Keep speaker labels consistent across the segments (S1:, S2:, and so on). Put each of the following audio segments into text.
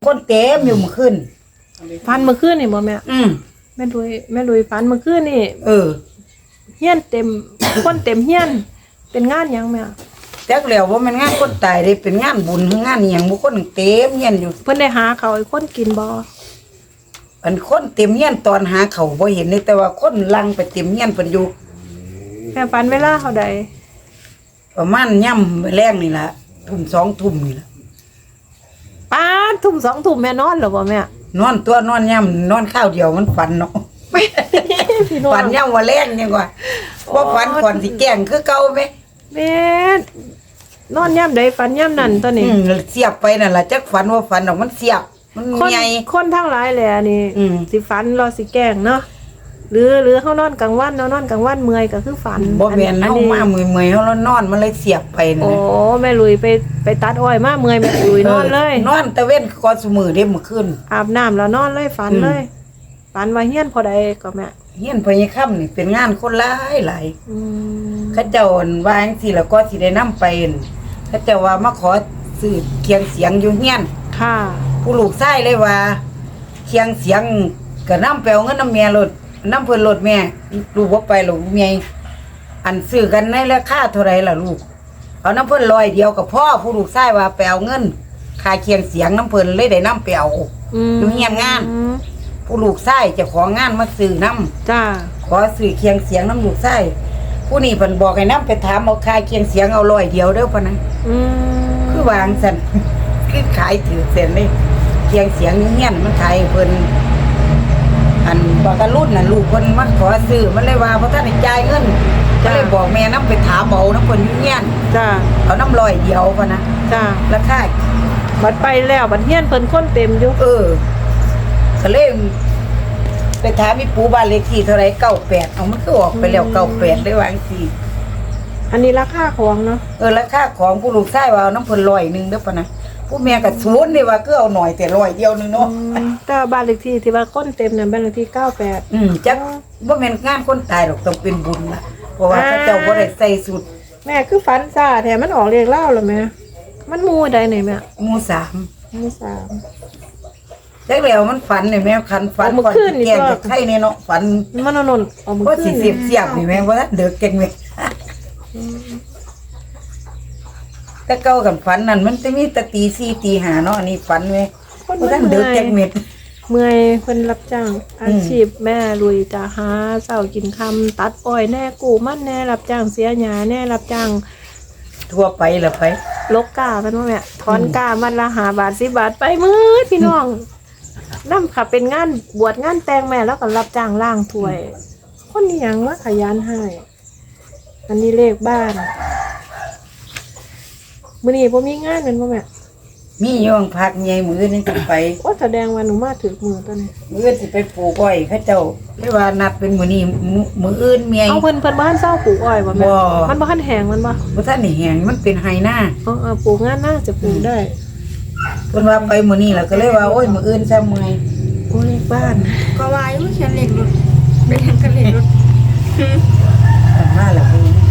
S1: คนเต็มอยู่เมื่อคืน
S2: ฟันเมื่อคืนนี่บ่แม่แม่ลุยฟันเมื่อคืนนี่เฮียนเต็ม คนเต็มเฮียนเป็นงานหยังแม่
S1: จักแล้วว่ามันงานคนตายได้เป็นงานบุญงานอีหยังบ่คนเต็มเฮียนอยู่
S2: เพิ่นได้หาเขาให้คนกินบ่
S1: อันคนเต็มเฮียนตอนหาเขาบ่เห็นเลยแต่ว่าคนลังไปเต็มเฮียนเพิ่นอยู่
S2: แม่ฟันเวลาเท่าใด
S1: ประมาณย่ำแรงนี่ล่ะทุ่ม2 ทุ่มนี่ล่ะ
S2: ป้าทุ่ม2 ทุ่มแม่นอนเหรอบ่แม่
S1: นอนตัวนอนย่ำนอนข้าวเดียวมันฝันเนาะฝันย่ำว่าแรงยังว่าบ่ฝันก่อนสิแกล้งคือเก่าแม่
S2: แม่นอนย่ำใดฝันย่ำนั่นตัวนี้
S1: เสียบไปนั่นล่ะจักฝันว่าฝันออกมันเสียบมันใหญ่
S2: คนทั้งหลายแหละนี่สิฝันรอสิแกล้งเนาะหรือเฮานอนกลางวันนอนกลางวันเมื่อยก็คือฝัน
S1: บ่แม่นเฮามาเมื่อยๆเฮานอนมันเลยเสียบไปนะ
S2: โอ้แม่ลุยไปตัดอ้อยมาเมื่อยแม่ลุยนอนเลย
S1: นอนตะเว้นก่อนซุมื้อเด้มื้อคืน
S2: อาบน้ำแล้วนอนเลยฝันเลยฝันว่าเฮียนพอใดก็แม่
S1: เฮียนพญาค่ำนี่เป็นงานคนหลายเขาเจ้าว่าจังซี่แล้วก็สิได้นำไปเขาเจ้าว่ามาขอซื้อเคียงเสียงอยู่เฮียน
S2: ค่ะ
S1: ผู้ลูกชายเลยว่าเคียงเสียงก็นำไปเอาเงินนำแม่รถนำเพิ่นรถแม่ลูกบ่ไปลูกแม่อันซื้อกันในราคาเท่าไหร่ล่ะลูกเอาน้ำเพิ่น100เดียวกับพ่อผู้ลูกชายว่าไปเอาเงินค่าเคียงเสียงน้ำเพิ่นเลยได้นำไปเอาอยู่เฮียนงานผู้ลูกชายเจ้าของงานมาซื้อนำ
S2: จ้า
S1: ขอซื้อเคียงเสียงน้ำลูกชายผู้นี้เพิ่นบอกให้นำไปถามเอาค่าเคียงเสียงเอา100เดียวเด้อพ่นนะคือวางซั่นคือขายถือเส้นเลยเคียงเสียงอยู่เฮียนมันขายเพิ่นอันบอกกันรุ่นน่ะลูกเพิ่นมาขอซื้อมันเลยว่าบ่ทันได้จ่ายเงินก็เลยบอกแม่นำไปถามเอานำเพิ่นอยู่เฮียน
S2: จ้า
S1: เอาน้ำ100เดียวพ่นนะ
S2: จ้า
S1: ราคา
S2: บัดไปแล้วบัดเฮียนเพิ่นคนเต็มอยู่
S1: ก็เลยไปถามอีปู่บ้านเลขที่เท่าไหร่98เอามันคือออกไปแล้ว98ได้ว่าจังซี่
S2: อันนี้ราคาของเนาะ
S1: ราคาของผู้ลูกชายว่าเอาน้ำเพิ่น100นึงเด้อพ่นนะผู้แม่ก็ศูนย์นี่ว่าคือเอาหน่อยแต่100เดียวนึงเนาะ
S2: แต่บ้านเลขที่ที่ว่าคนเต็มนั่นบ้านเลขที่98
S1: จักบ่แม่นงานคนตายหรอกต้องเป็นบุญล่ะเพราะว่าเขาเจ้าบ่ได้ใส่สุด
S2: แม่คือฝันซ่าแท้มันออกเลขเล่าเหรอแม่มันหมู่ใดไหนแม่
S1: หมู่3จักแล้วมันฝันนี่แม่คันฝันก่อนแก่จะไข่นี่เนาะฝัน
S2: มันนนเอามื้อคืน
S1: สิเสียบนี่แม่บ่ทันเด้อเก่งแม่แต่เก่ากันฝันนั่นมันจะมีแต่ตี4ตี5เนาะอันนี้ฝันแม่บ่ทันเด้อเก่งเม็ด
S2: เมื่อยเพิ่นรับจ้างอาชีพแม่ลุยจะหาเช้ากินค่ำตัดอ้อยแน่กู้มันแน่รับจ้างเสียหญ้าแน่รับจ้าง
S1: ทั่วไปล่ะไป
S2: ลกกาเพิ่นว่าแม่ถอนกามันละ5 บาท10 บาทไปมื้อพี่น้องนำค่ะเป็นงานบวชงานแต่งแม่แล้วก็รับจ้างล้างถ้วยคนนี้หยังว่าขยันให้อันนี้เลขบ้านมื้อนี้บ่มีงานแม่นบ่แม่
S1: มีอยู่พักใหญ่มื้อนี้สิไป
S2: โอ้แสดงว่าหนูมาถึงมื้อตอนนี้
S1: มื้อสิไปปลูกอ้อยเขาเจ้าเรียกว่านัดเป็นมื้อนี้มื้ออื่นเมีย
S2: เอาเพิ่นบ่ทันเซาปลูกอ้อยบ่แม่มันบ่ทันแห้งมันบ่
S1: ทันได้แห้งมันเป็นไฮนา
S2: ปลูกงานน่าจะปลูกได้
S1: เพิ่นว่าไปมื้อนี้ล่ะก็เลยว่าโอ้ยมื้ออื่นซะเมื่อย
S2: โอ้เลขบ้าน
S3: ก็ว่าอยู่เขียนเลขรถไปทางกันเลขรถ
S1: มาแล้ว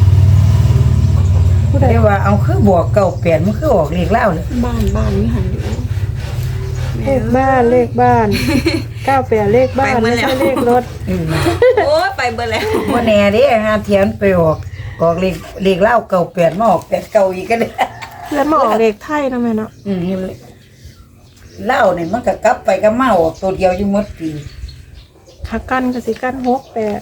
S1: ผู้ใดว่าเอาคือบวก98มันคือออกเลขลาวเลย
S3: บ้านนี่หันอยู่
S2: เลขบ้าน98เลขบ้านไม่ใช่เลขรถ
S3: โอ้ยไปเบิดแล้ว
S1: บ่แน่เด้หาเทียนไปออกเลขลาว98มาออก89อีกก็ได้
S2: เพื่อนมาออกเลขไทยนะแม่เนาะ
S1: ลาวนี่มันก็กลับไปก็มาออกตัวเดียวอยู่หมดปี
S2: ถ้ากันก็สิกัน68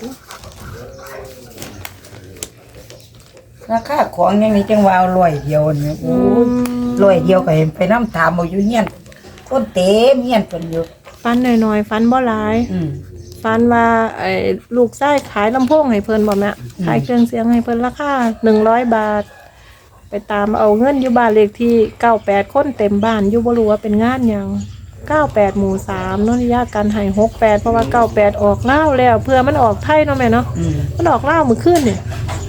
S1: ราคาของอย่างนี้จังว่า100เดียวนี่โอ้100เดียวก็เห็นไปนำถามเอาอยู่เฮียนคนเต็มเฮียนเพิ่นอยู่
S2: ฟันหน่อยๆฟันบ่หลายฟันว่าลูกชายขายลำโพงให้เพิ่นบ่แม่ขายเครื่องเสียงให้เพิ่นราคา100 บาทไปตามเอาเงินอยู่บ้านเลขที่98คนเต็มบ้านอยู่บ่รู้ว่าเป็นงานหยัง98หมู่3เนาะญาติกันให้68เพราะว่า98ออกลาวแล้วเพื่อมันออกไทยเนาะแม่เนาะมันออกลาวมื้อคืนนี่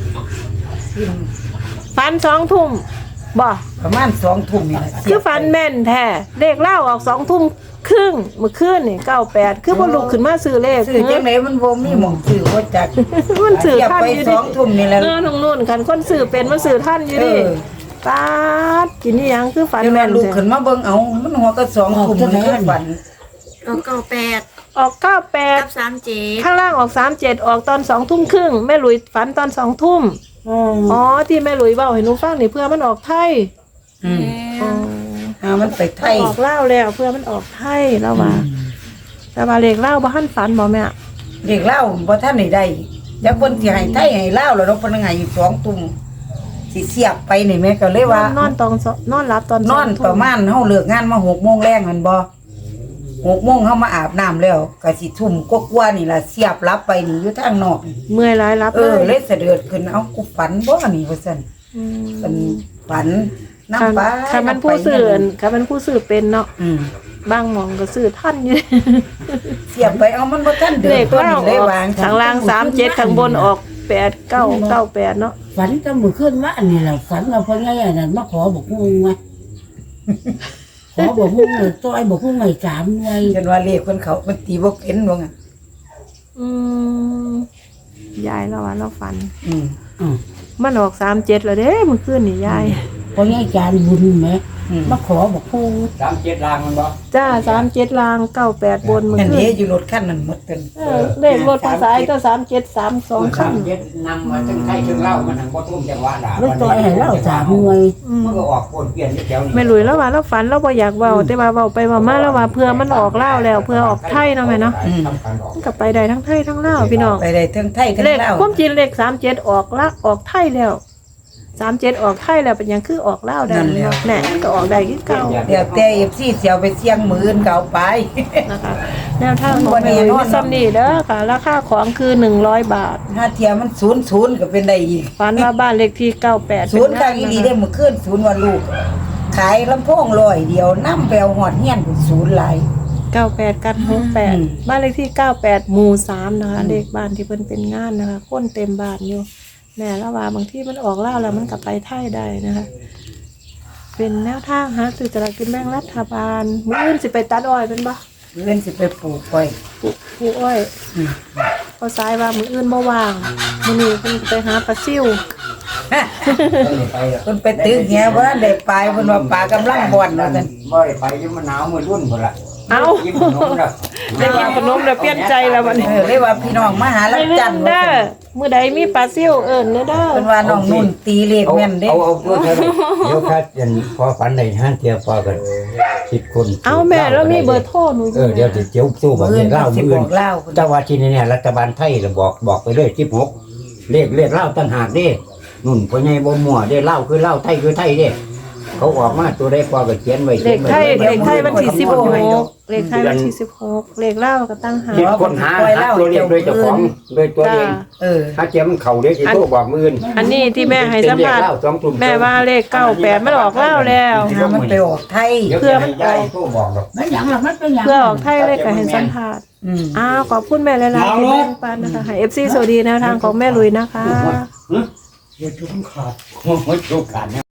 S2: ฟัน2 ทุ่มบ่
S1: ประมาณ2 ทุ่มนี่แหละ
S2: คือฟันแม่นแท้เลขลาวออก2 ทุ่มครึ่งมื้อคืนนี่98คือบ่ลุกขึ้นมาซื้อเลข
S1: ซื้อจังได๋มันบ่มีหม่องซื้อบ่จัก
S2: มันซื้อทันอยู่
S1: 2 ทุ่มนี่แหละ
S2: น้องนุ่นคันคนซื้อเป็นมันซื้อทันอยู่ดิไปปาดกินนี่ยังคือฝัน
S1: เดี๋ยว
S2: แม่
S1: แม่
S2: น
S1: ลูก
S2: แท้
S1: ขึ้นมาเบิ่งเอามันหัวก็2ทุ่มมันก็ฝัน
S3: ออกเก้าแปด
S2: ออก
S3: กับ
S2: 98
S3: 37
S2: ข้างล่างออก37ออกตอน2ทุ่มครึ่งแม่หลุยฝันตอน2ทุ่มอ๋อที่แม่หลุยเว้าให้หนูฟังนี่เพื่อมันออกไทย
S1: อืม
S2: อ๋อ
S1: มันไปไทย
S2: ออกเล่าวแล้วเพื่อมันออกไทยแล้วว่าแต่ว่าเลขเล่าวบ่ทันฝันบ่แม่
S1: เด็กเล่าบ่ทันได้จักเพิ่นสิให้ไทยให้ลาวแล้วเนาะเพิ่นให้อยู่2ทุ่มสิเสียบไปนี่แม่ก็เลยว่าน
S2: อนตอนนอนหลับตอน
S1: นอน
S2: 2
S1: ประมาณเฮาเลิกงานมา6:00 นแรงแม่นบ่6:00 นเฮามาอาบน้ำแล้วก็สิทุ่มกว่าๆนี่ล่ะเสียบรับไปนี่อยู่ทางนอก
S2: เมื่อยหลายรับ
S1: เลยเสด็จขึ้นเอากูฝันบ่นี่ว่าซั่น
S2: ม
S1: เป็นฝันน้ำ
S2: คัน
S1: ปลา
S2: คันมันผู้ซื้อคันมันผู้ซื้อเป็นเนาะ
S1: อืม
S2: บางหมองก็ซื้อท่านอยู่
S1: เสียบไปเอามันบ่ทันเดื
S2: เล
S1: อด
S2: ข
S1: ตัว
S2: เล่า
S1: นี้
S2: อ
S1: เลย
S2: อก
S1: วาง
S2: ข้างล่าง37ข้างบนออก8998เนาะ
S4: ฝันจะมือขึ้นว่าอันนี้แหละฝันเราพอไงอันนั้นมาขอบอกงงมาขอบอกงงเลยตัวไอ้บอกงงไงสามไง
S1: จนว่าเลขคนเขามันตีบ่เป็นว่างั้น
S2: อืมยายแล้วว่าเราฝัน
S1: อืม
S2: มันออก37แล้วเด้เมื่อคืนนี่ยาย
S4: พอไงจานบุญไหม
S1: อืม
S4: มาขอบอกงง
S5: 37ลางมันบ่
S2: จ้า37ลาง98บนเมื่อ
S1: อัน
S2: คื
S1: นี้
S2: น
S1: อยู่รถคันนั้นหมดเป็น
S2: เลขรถภาษาก็3732คัน
S5: 37นำมาทั้งไทยทั้งลาวมันทั้งบ่ทุ่มจังหวะด่า
S4: แล้วตัวไอ้ให้เล่าสามไง
S5: มันก็ออกปนเปลี่ยนอยู่แถวนี้
S2: ไม่รู้แล้วว่าเราฝันเราบ่อยากเว้าแต่ว่าเว้าไปเว้ามาแล้วว่าเพื่อมันออกลาวแล้วเพื่อออกไทยเนาะแม่เนาะ
S5: ทำการออก
S2: มันก็ไปได้ทั้งไทยทั้งลาวพี่น้อง
S1: ไปได้ทั้งไทยทั้ง
S2: เลข
S1: ลาว
S2: ความจริงเลข37ออกละออกไทยแล้ว37ออกไทยแล้วเป็นหยังคือออกลาวได้เนาะแหน่มันก็ออกได้คือเก่า
S1: เดี๋ยวแต่ FC เสียวไปเสี่ยงมื้ออื่นก็เอาไป
S2: นะคะแนวทางของแม่ลุยซ้ำนี่เด้อค่ะราคาของคือ100 บาท
S1: ถ้าเทียมัน00ก็เป็นได้อีก
S2: ฝันว่าบ้านเลขที่98
S1: ศูนย์ข้างอีหลีได้มื้อคืนศูนย์ว่าลูก ขายลำโพง100เดียวนำไปเอาฮอดเฮียนศูนย์หลาย
S2: 98กัน
S1: อืม
S2: 68บ้านเลขที่98หมู่3นะคะเลขบ้านที่เพิ่นเป็นงานนะคะคนเต็มบ้านอยู่แม่ละว่าบางที่มันออกล่าวแล้วมันกลับไปไทยได้นะคะ เป็นแนวทางหาซื้อสลากกินแบ่งรัฐบาลมื้ออื่นสิไปตัดอ้อยเป็นบ่
S1: เพื่อนสิไปปลูกไว้
S2: ปลูกอ้อยพอสายว่ามื้ออื่นบ่ว่างมื้อนี้เพิ่นไปหาปลาซิ่ว
S1: เพิ่นไปตึกเหียบ่ทันได้ไปเพิ่นว่าปลากำลังบ่อนว่าซั่น
S5: บ่ได้ไปอยู่มันหนาวมื้อรุ่นพุ่นล่ะ
S2: เอ้า
S5: กินขนมแล้ว
S2: ได้กินขนมแล้วเปลี่ยนใจแล้วบัดนี้
S1: เลยว่าพี่น้องมาหา
S2: ไป
S1: ลัง
S2: เรื่
S1: จั
S2: อน
S1: ทร์
S2: เด้
S1: ว่า
S2: อ
S1: ซั่น
S2: มื้อใดมีปลาซิ่วเอิ้นเด้อเด้อ
S1: เพิ่นว่าน้องนุ่นตีเลขแม่นเด้
S5: เอาพูดเถอะเดี๋ยวครับยันพอฝันได้ห้างเที่ยวพอกัน10คน
S2: เอาแม่แล้วมีเบอร์โทรหนูอยู่
S5: เดี๋ยวสิเจียวสู้บอก
S1: มื้อ
S5: เล
S1: อื่น
S5: ขเล่า
S1: สิ
S5: มื้อ
S1: บอก
S5: อื่น
S1: เล่าเพิ่น
S5: เจ้าว่าที่นี่รัฐบาลไทยก็บอกไปเลย16เลขเล่าต่างหากเด้นุ่นพ่อใหญ่บ่มั่วเด้เล่าคือเล่าไทยคือไทยเด้เขาออกมาตัวได้พอก็เขียนไว้
S2: เลขไทย
S5: ไว้
S2: เลขไทยวันที่16เลขไทยวันที่16เลขลาวก็ตั้งหา
S5: คิดคนหาตัวเลขโดยเจ้าของโดยตัวเอง
S1: เออ
S5: ถ้าเจียมันเข่าเด้สิโทรบอกมื้ออื่น
S2: อันนี้ที่แม่ให้สัมภาษณ์แม่ว่าเลข98มันออกลาวแล้ว
S1: หามันไปออกไทย
S2: เพื่อมันออก
S5: โทรบอกดอก
S4: มันอย่างหลังมันเป็นอย่าง
S2: เพื่อออกไทยเลขก็ให้สัมภาษณ์
S1: อืม
S2: ขอบคุณแม่หลายๆที่แบ่งปันนะคะให้ FC สวัสดีแนวทางของแม่ลุยนะคะ
S5: เดี๋ยวจุกขาดโอ้ยจุกขาด